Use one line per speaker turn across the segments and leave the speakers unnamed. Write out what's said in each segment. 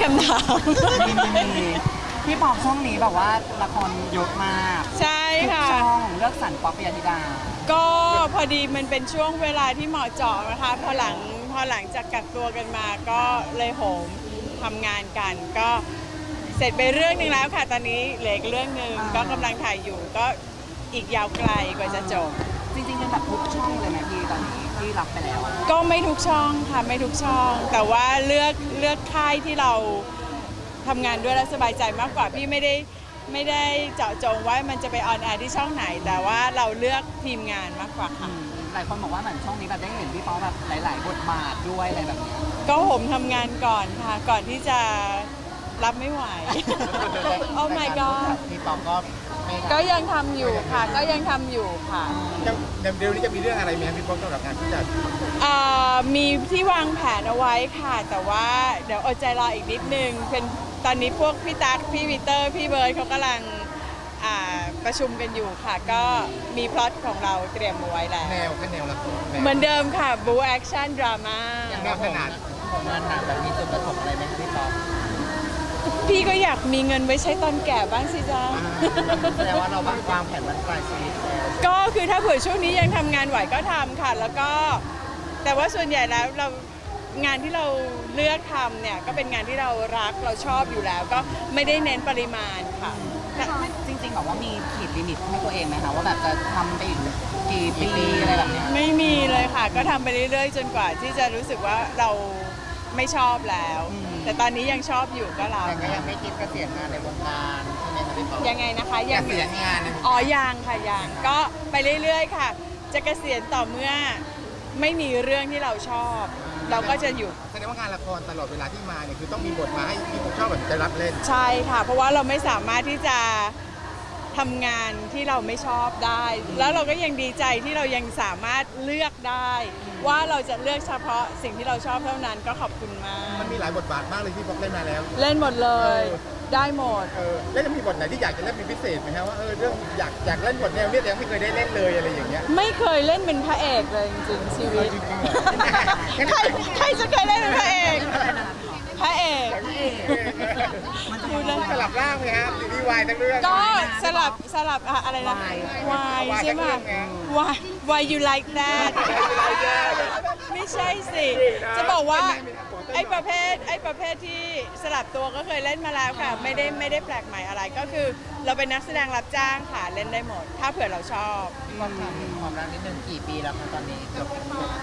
คำถาม
มีพี่ปอบช่วงนี้แบบว่าละครเยอะมาก
ใช่ค่ะ
ทุกช่องเลือกสรรป๊อปปิยธิดา
ก็พอดีมันเป็นช่วงเวลาที่เหมาะเจาะนะคะพอหลังจากกักตัวกันมาก็เลยโหมทำงานกัน ก็เสร็จไปเรื่องหนึ่งแล้วค่ะตอนนี้เหลืออีกเรื่องหนึ่งก็กำลังถ่ายอยู่ก็อีกยาวไกลกว่าจะจบ
จริงๆเป็นแบบทุกช่องเลยไหมพี่ตอนนี้ที่รับไปแล้ว
ก็ไม่ทุกช่องค่ะไม่ทุกช่อง แต่ว่าเลือกค่ายที่เราทำงานด้วยแล้วสบายใจมากกว่าพี่ไม่ได้เจาะจงว่ามันจะไปออนแอร์ที่ช่องไหน แต่ว่าเราเลือกทีมงานมากกว่าค่ะ
หลายคนบอกว่าเหมือนช่องนี้แบบได้เห็นพี่ป๊อปแบบหลายๆบทบาทด้วยอะไรแบบนี้
ก็ผมทำงานก่อนค่ะ ก่อนที่จะรับไม่ไหว โอ้ my god
พี่ปองก็ไม่
ก็ยังทำอยู่ค่ะ ก็ยังทำอยู่ค่ะ
เดี๋ยวนี้จะมีเรื่องอะไรไหมครับพี่ปองสำหรับงานผู้จัด
มีที่วางแผนเอาไว้ค่ะ แต่ว่าเดี๋ยวอดใจรออีกนิดนึงเป็นตอนนี้พวกพี่ตั๊กพี่วิเตอร์พี่เบิร์ดเขากำลังประชุมกันอยู่ค่ะ ก็มีพล็อตของเราเตรียมเอาไว้แล้ว
แนวแนวละคร
เหมือนเดิมค่ะบูแอคชั่นดราม่า
แนวขนาด
ของงานหนักแบบมีจุดประสงค์อะไรไหมพี่ป๊อป
พี่ก็อยากมีเงินไว้ใช้ตอนแก่บ้างสิจ๊ะ
แสดงว่าเราวางแผนวันปลายชีวิตแล้ว
ก็คือถ้าเผื่อช่วงนี้ยังทำงานไหวก็ทำค่ะ แล้วก็แต่ว่าส่วนใหญ่แล้วงานที่เราเลือกทำเนี่ยก็เป็นงานที่เรารักเราชอบอยู่แล้ว ก็ไม่ได้เน้นปริมาณค่ะ
จริงๆแบบว่ามีขีดลิมิตให้ตัวเองไหมคะว่าแบบจะทำไปอีกกี่ปีอะไรแบบเนี้ย
ไม่มีเลยค่ะ ก็ทำไปเรื่อยๆ จนกว่าที่จะรู้สึกว่าเราไม่ชอบแล้ว แต่ตอนนี้ยังชอบอยู่ก็รับ
แต่ก็ยังไม่คิดเกษียณงานในวงการใช่ไหมครับพี่ปอง
ยังไงนะคะ
เก
ยัง
ษียณงานในวง
อ๋
การ
ยังค่ะยังก็ไปเรื่อยๆค่ะ จะเกษียณต่อเมื่อไม่มีเรื่องที่เราชอบ เราก็จะหยุด
แสดงว่างานละครตลอดเวลาที่มาเนี่ยคือต้องมีบทมาให้พี่ปองชอบแบบจะรับเล่น
ใช่ค่ะ เพราะว่าเราไม่สามารถที่จะทำงานที่เราไม่ชอบได้ แล้วเราก็ยังดีใจที่เรายังสามารถเลือกได้ ว่าเราจะเลือกเฉพาะสิ่งที่เราชอบเท่านั้นก็ขอบคุณมาก
มันมีหลายบทบาทมากเลยที่ปองเล่นมาแล้ว
เล่นหมดเลย ได้หมด
แล้วจะมีบทไหนที่อยากจะเล่นเป็นพิเศษไหมครับว่าเรื่องอยากเล่นบทแนวเนี้ยแต่ยังไม่เคยได้เล่นเลยอะไรอย่างเงี้ย
ไม่เคยเล่นเป็นพระเอกเลยจริงๆชีวิต
จริงๆเหรอ
ใครจะเคยเล่นเป็นพระเอก พระเอก
มันจะสลับร่างไหมครับซีรีส์วายทั้งเรื่อง
ก็สลับอะไรนะวายใช่ไหมวาย you like that ไม่ใช่สิ จะบอกว่าไอ้ประเภทที่สลับตัวก็เคยเล่นมาแล้วค่ะ ไม่ได้แปลกใหม่อะไรก็คือเราเป็นนักแสดงรับจ้างค่ะเล่นได้หมด ถ้าเผื่อเราชอบ
พี่ป๊อปถามถึงความรักนิดนึงกี่ปีแล้วคะตอนนี้เกือบ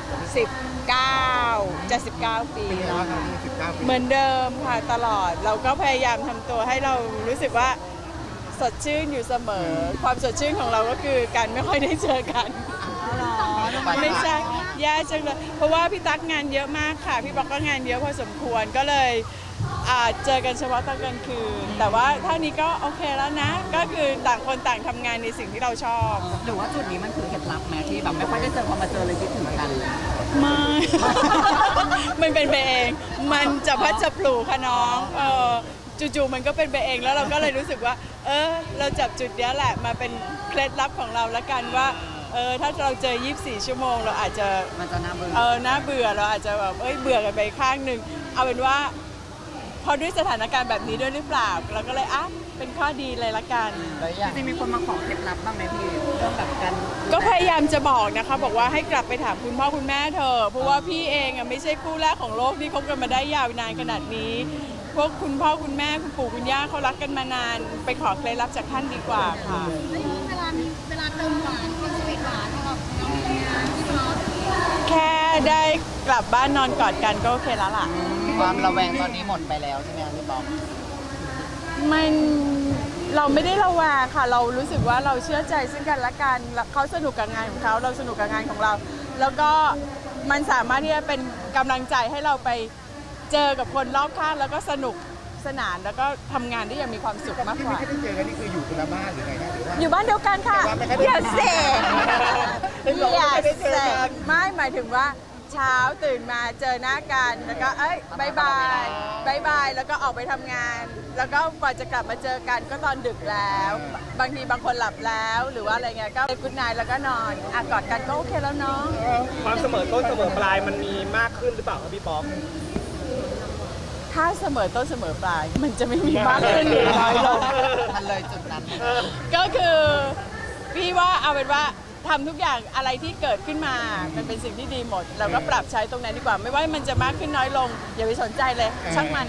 19จะ19 ปีแล้วค่ะ
19 ปี
เหมือนเดิมค่ะตลอดเราก็พยายามทำตัวให้เรารู้สึกว่าสดชื่นอยู่เสมอ ความสดชื่นของเราก็คือการไม่ค่อยได้เจอกัน ไม่ใช่แย่จังเลยเพราะว่าพี่ตั๊กงานเยอะมากค่ะ พี่ป๊อกก็งานเยอะพอสมควรก็เลยเจอกันเฉพาะตอนกลางคืน แต่ว่าเท่านี้ก็โอเคแล้วนะ ก็คือต่างคนต่างทำงานในสิ่งที่เราชอบ
หรือว่าจุดนี้มันคือเคล็ดลับไหมที่แบบไม่ค่อยได้เจอพอมาเจอเลยคิดถึงกันเลย
ไม่ มันเป็นไปเอง มันจะพัดจะปลูกค่ะน้องจู่ๆมันก็เป็นไปเองแล้วเราก็เลยรู้สึกว่า เราจับจุดเนี้ยแหละมาเป็นเคล็ดลับของเราละกันว่า ถ้าเราเจอ 24 ชั่วโมงเราอาจจะ
มันจะน่าเบื่อ
น่าเบื่อเราอาจจะแบบเบื่อกันไปข้างหนึ่งเอาเป็นว่า พอด้วยสถานการณ์แบบนี้ด้วยหรือเปล่าเราก็เลยเป็นข้อดีเลยละกัน
จริงๆมีคนมาขอเคล็ดลับบ้างไหมพี่เรื่องแบบการ
ก็พยายามจะบอกนะคะบอกว่าให้กลับไปถามคุณพ่อคุณแม่เธอเพราะว่าพี่เองไม่ใช่คู่แรกของโลกที่คบกันมาได้ยาวนานขนาดนี้ พวกคุณพ่อคุณแม่คุณปู่คุณย่าเขารักกันมานาน ไปขอเคล็ดลับจากท่านดีกว่าค่ะ
แล้วเวลาเติมหวานเป็นสวีทหวานของเราพี่ป๊อป
แค่ได้กลับบ้านนอนกอดกันก็โอเคแล้วล่ะ
ความระแวงตอนนี้หมดไปแล้วใช่ไหมครับพี่ป๊อป
มันเราไม่ได้ระแวงค่ะ เรารู้สึกว่าเราเชื่อใจซึ่งกันและกันเขาสนุกกับงานของเขาเราสนุกกับงานของเรา แล้วก็มันสามารถที่จะเป็นกำลังใจให้เราไปเจอกับคนรอบข้างแล้วก็สนุกสนานแล้วก็ทำงานได้อย่างมีความสุขมาก
ที่
ก
ไม่
ว่า
ได้เจอกันนี่คืออยู่คนละบ้านหรือไงนะหรือว่า
อยู่บ้านเดียวกันค่ะ
แต่ว่าไม่ค่อยได้
อย่าเสก
เป็นบอก
อย่า
ว่าไม่ได้เจ
เส
อกัน
กไม่หมายถึงว่าเช้าตื่นมาเจอหน้ากันแล้วก็บายบายแล้วก็ออกไปทำงาน แล้วก็กว่าจะกลับมาเจอกันก็ตอนดึกแล้ว บางทีบางคนหลับแล้วหรือว่าอะไรเงี้ยก็กุดไนท์แล้วก็นอนกอดกันก็โอเคแล้วเนาะ
ความเสมอต้นเสมอปลายมันมีมากขึ้นหรือเปล่าครับพี่ป๊อป
ถ้าเสมอต้นเสมอปลายมันจะไม่มีมากขึ้นหรือน้อยลง
มันเลยจุดนั้น
ก็คือพี่ว่าเอาเป็นว่าทำทุกอย่างอะไรที่เกิดขึ้นมามันเป็นสิ่งที่ดีหมด เราก็ปรับใช้ตรงนั้นดีกว่า ไม่ว่ามันจะมากขึ้นน้อยลง อย่าไปสนใจเลย ช่างมัน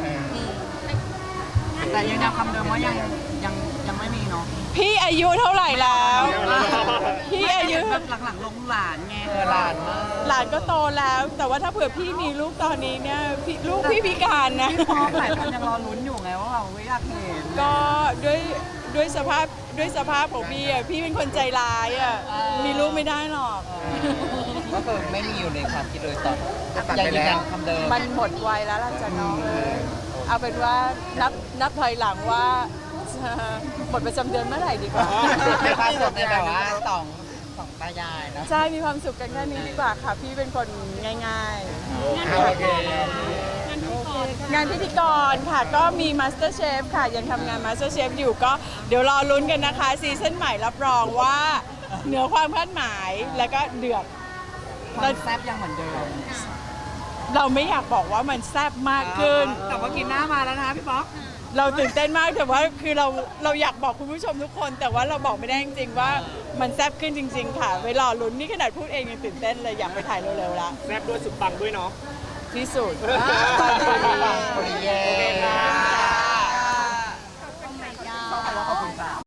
แต่ยังคำเดิมว่ายังไม่มีเนาะ
พี่อายุเท่าไหร่แล้ว พี่อายุ
แบบหลังๆลงหลานไงหลานมาก
หลานก็โตแล้ว แต่ว่าถ้าเผื่อพี่มีลูกตอนนี้เนี่ยลูกพี่พิการนะ
พี่พร้อมหลายคนยังรอลุ้นอยู่ไงว่าเราไม่อยากเห็น
ก็ด้วยสภาพของพี่อ่ะพี่เป็นคนใจร้ายอ่ะมีลูกไม่ได้หรอก
ก็คือไม่มีอยู่ในความคิดเลยตอน
ตัดไปแล้ว
คำเดิม
มันหมดวัยแล้วล่ะจ้ะน้องเอาเป็นว่านับถอยหลังว่าหมดประจำเดือนเมื่อไหร่ดีกว่า
ในความสุขในแบบว่าสองตายายนะ
ใช่มีความสุขกันแค่นี้ดีกว่าค่ะ พี่เป็นคนง่าย
โอเค
ๆ งานพิธีกรค่ะก็มี Master Chef ค่ะยังทำงาน Master Chef อยู่ก็เดี๋ยวรอลุ้นกันนะคะซีซั่นใหม่รับรองว่าเหนือความคาดหมายแล้วก็เดือด
ความแซ่บยังเหมือนเดิม
เราไม่อยากบอกว่ามันแซ่บมากขึ้น
แต่ว่ากินหน้ามาแล้วนะพี่ป๊อก
เราตื่นเต้นมากแต่ว่าคือเราอยากบอกคุณผู้ชมทุกคน แต่ว่าเราบอกไม่ได้จริงๆว่ามันแซ่บขึ้นจริง ๆ ค่ะเวลาลุ้นนี่ขนาดพูดเองยังตื่นเต้นเลยอยากไปถ่ายเร็วๆละ
แซ่บด้วยสุดปังด้วยเนาะ
ที่สุด
โอเคค่ะ